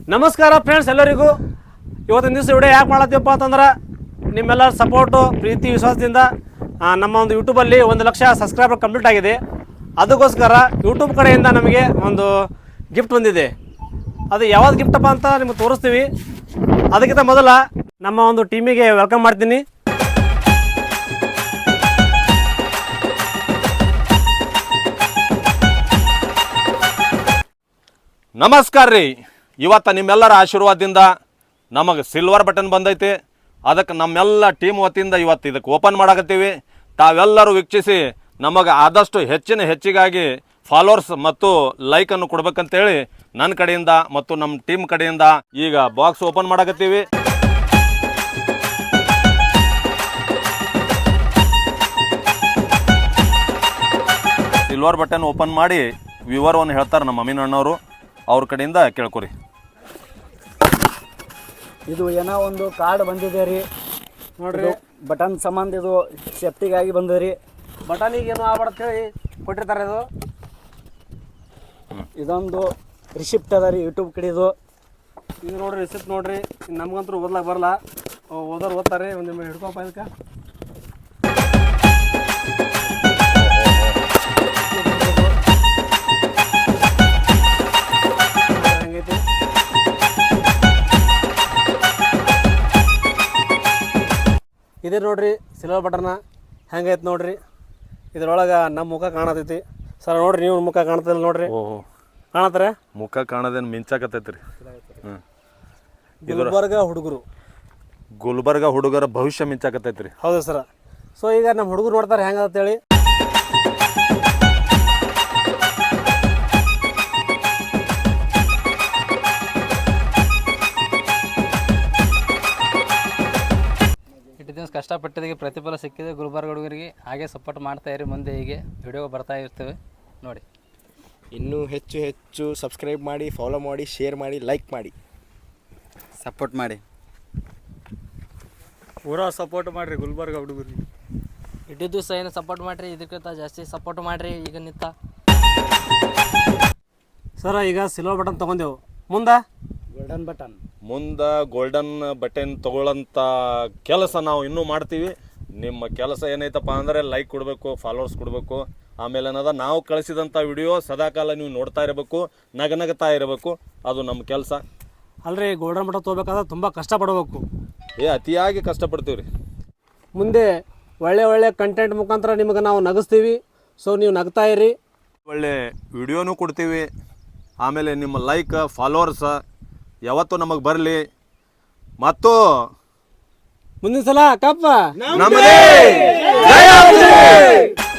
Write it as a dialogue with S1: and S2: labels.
S1: ನಮಸ್ಕಾರ ಫ್ರೆಂಡ್ಸ್, ಎಲ್ಲರಿಗೂ ಇವತ್ತಿನ ದಿವಸ ವಿಡಿಯೋ ಯಾಕೆ ಮಾಡತ್ತೀವಪ್ಪ ಅಂತಂದ್ರೆ ನಿಮ್ಮೆಲ್ಲರ ಸಪೋರ್ಟು, ಪ್ರೀತಿ, ವಿಶ್ವಾಸದಿಂದ ನಮ್ಮ ಒಂದು ಯೂಟ್ಯೂಬಲ್ಲಿ 1 ಲಕ್ಷ ಸಬ್ಸ್ಕ್ರೈಬರ್ ಕಂಪ್ಲೀಟ್ ಆಗಿದೆ. ಅದಕ್ಕೋಸ್ಕರ ಯೂಟ್ಯೂಬ್ ಕಡೆಯಿಂದ ನಮಗೆ ಒಂದು ಗಿಫ್ಟ್ ಬಂದಿದೆ. ಅದು ಯಾವ್ದು ಗಿಫ್ಟಪ್ಪ ಅಂತ ನಿಮಗೆ ತೋರಿಸ್ತೀವಿ. ಅದಕ್ಕಿಂತ ಮೊದಲ ನಮ್ಮ ಒಂದು ಟೀಮಿಗೆ ವೆಲ್ಕಮ್ ಮಾಡ್ತೀನಿ.
S2: ನಮಸ್ಕಾರ ರೀ. ಇವತ್ತು ನಿಮ್ಮೆಲ್ಲರ ಆಶೀರ್ವಾದದಿಂದ ನಮಗೆ ಸಿಲ್ವರ್ ಬಟನ್ ಬಂದೈತಿ. ಅದಕ್ಕೆ ನಮ್ಮೆಲ್ಲ ಟೀಮ್ ವತಿಯಿಂದ ಇವತ್ತು ಇದಕ್ಕೆ ಓಪನ್ ಮಾಡಕತ್ತೀವಿ. ತಾವೆಲ್ಲರೂ ವೀಕ್ಷಿಸಿ ನಮಗೆ ಆದಷ್ಟು ಹೆಚ್ಚಿಗಾಗಿ ಫಾಲೋವರ್ಸ್ ಮತ್ತು ಲೈಕನ್ನು ಕೊಡ್ಬೇಕಂತೇಳಿ ನನ್ನ ಕಡೆಯಿಂದ ಮತ್ತು ನಮ್ಮ ಟೀಮ್ ಕಡೆಯಿಂದ ಈಗ ಬಾಕ್ಸ್ ಓಪನ್ ಮಾಡಕತ್ತೀವಿ. ಸಿಲ್ವರ್ ಬಟನ್ ಓಪನ್ ಮಾಡಿ ವಿವರವನ್ನು ಹೇಳ್ತಾರೆ ನಮ್ಮ ಅಮೀನ್ ಅಣ್ಣವರು. ಅವ್ರ ಕಡೆಯಿಂದ ಕೇಳ್ಕೊರಿ.
S3: ಇದು ಏನೋ ಒಂದು ಕಾರ್ಡ್ ಬಂದಿದೆ ರೀ ನೋಡ್ರಿ. ಬಟನ್ ಸಂಬಂಧ ಇದು ಸೇಫ್ಟಿಗಾಗಿ ಬಂದಿದೆ.
S1: ಬಟನಿಗೆ ಏನು ಆಗ್ಬಾರ್ದು ಹೇಳಿ ಕೊಟ್ಟಿರ್ತಾರೆ.
S3: ಇದೊಂದು ರಿಸಿಪ್ಟ್ ಅದ ರೀ ಯೂಟ್ಯೂಬ್ ಕಡೆದು.
S1: ಇದು ನೋಡ್ರಿ ರಿಸಿಪ್ಟ್ ನೋಡ್ರಿ. ನಮ್ಗಂತೂ ಓದ್ಲಾಕ ಬರಲ್ಲ, ಓದೋರು ಓದ್ತಾರೆ. ಒಂದು ಹಿಡ್ಕೊಪ್ಪ ಇದಕ್ಕೆ. ಹೆಂಗೈತಿ ಇದೇ ನೋಡ್ರಿ ಸಿಲ್ವರ್ ಬಟನ್ನ ಹೆಂಗೈತೆ ನೋಡ್ರಿ. ಇದ್ರೊಳಗೆ ನಮ್ಮ ಮುಖ ಕಾಣತೈತಿ. ಸರ್ ನೋಡ್ರಿ, ನೀವು ಮುಖ ಕಾಣ್ತಿಲ್ಲ ನೋಡ್ರಿ. ಕಾಣತ್ತಾರೆ
S2: ಮುಖ ಕಾಣೋದೇನು ಮಿಂಚಾಕತ್ತೈತಿ ರೀ. ಗುಲ್ಬರ್ಗ ಹುಡುಗರ ಭವಿಷ್ಯ ಮಿಂಚಾಕತ್ತೈತಿ ರೀ.
S1: ಹೌದು ಸರ್. ಸೊ ಈಗ ನಮ್ಮ ಹುಡುಗರು ನೋಡ್ತಾರೆ ಹೆಂಗಂತೇಳಿ.
S4: ಇಟ್ಟು ದಿವಸ ಕಷ್ಟಪಟ್ಟಿದ್ದಕ್ಕೆ ಪ್ರತಿಫಲ ಸಿಕ್ಕಿದೆ ಗುಲ್ಬರ್ಗ ಹುಡುಗರಿಗೆ. ಹಾಗೆ ಸಪೋರ್ಟ್ ಮಾಡ್ತಾ ಇರಿ. ಮುಂದೆ ಹೀಗೆ ವಿಡಿಯೋ ಬರ್ತಾ ಇರ್ತೇವೆ ನೋಡಿ.
S5: ಇನ್ನೂ ಹೆಚ್ಚು ಸಬ್ಸ್ಕ್ರೈಬ್ ಮಾಡಿ, ಫಾಲೋ ಮಾಡಿ, ಶೇರ್ ಮಾಡಿ, ಲೈಕ್ ಮಾಡಿ,
S6: ಸಪೋರ್ಟ್ ಮಾಡಿ.
S1: ಪೂರಾ ಸಪೋರ್ಟ್ ಮಾಡಿರಿ ಗುಲ್ಬರ್ಗ ಹುಡುಗರಿಗೆ.
S4: ಇಟ್ಟು ದಿವಸ ಏನು ಸಪೋರ್ಟ್ ಮಾಡಿರಿ, ಇದಕ್ಕಿಂತ ಜಾಸ್ತಿ ಸಪೋರ್ಟ್ ಮಾಡಿರಿ. ಈಗ ನಿಂತ
S1: ಸರ ಈಗ ಸಿಲ್ವರ್ ಬಟನ್ ತೊಗೊಂಡೆವು. ಮುಂದೆ
S3: ಗೋಲ್ಡನ್ ಬಟನ್,
S2: ಮುಂದೆ ಗೋಲ್ಡನ್ ಬಟನ್ ತೊಗೊಳ್ಳೋಂಥ ಕೆಲಸ ನಾವು ಇನ್ನೂ ಮಾಡ್ತೀವಿ. ನಿಮ್ಮ ಕೆಲಸ ಏನೈತಪ್ಪ ಅಂದರೆ ಲೈಕ್ ಕೊಡಬೇಕು, ಫಾಲೋವರ್ಸ್ ಕೊಡಬೇಕು. ಆಮೇಲೆ ಏನದ ನಾವು ಕಳಿಸಿದಂಥ ವಿಡಿಯೋ ಸದಾಕಾಲ ನೀವು ನೋಡ್ತಾ ಇರಬೇಕು, ನಗನಗ್ತಾ ಇರಬೇಕು. ಅದು ನಮ್ಮ ಕೆಲಸ
S1: ಅಲ್ರಿ. ಗೋಲ್ಡನ್ ಬಟನ್ ತೊಗೋಬೇಕಾದ್ರೆ ತುಂಬ ಕಷ್ಟಪಡಬೇಕು.
S2: ಅತಿಯಾಗಿ ಕಷ್ಟಪಡ್ತೀವಿ ರೀ.
S1: ಮುಂದೆ ಒಳ್ಳೆ ಕಂಟೆಂಟ್ ಮುಖಾಂತರ ನಿಮಗೆ ನಾವು ನಗಿಸ್ತೀವಿ. ಸೊ ನೀವು ನಗ್ತಾ ಇರಿ.
S2: ಒಳ್ಳೆ ವಿಡಿಯೋನೂ ಕೊಡ್ತೀವಿ. ಆಮೇಲೆ ನಿಮ್ಮ ಲೈಕ್ ಫಾಲೋವರ್ಸ್ ಯಾವತ್ತೂ ನಮಗೆ ಬರಲಿ. ಮತ್ತು
S1: ಮುಂದಿನ ಸಲ ಕಪ್ಪ
S2: ನಮ್ಮದೇ.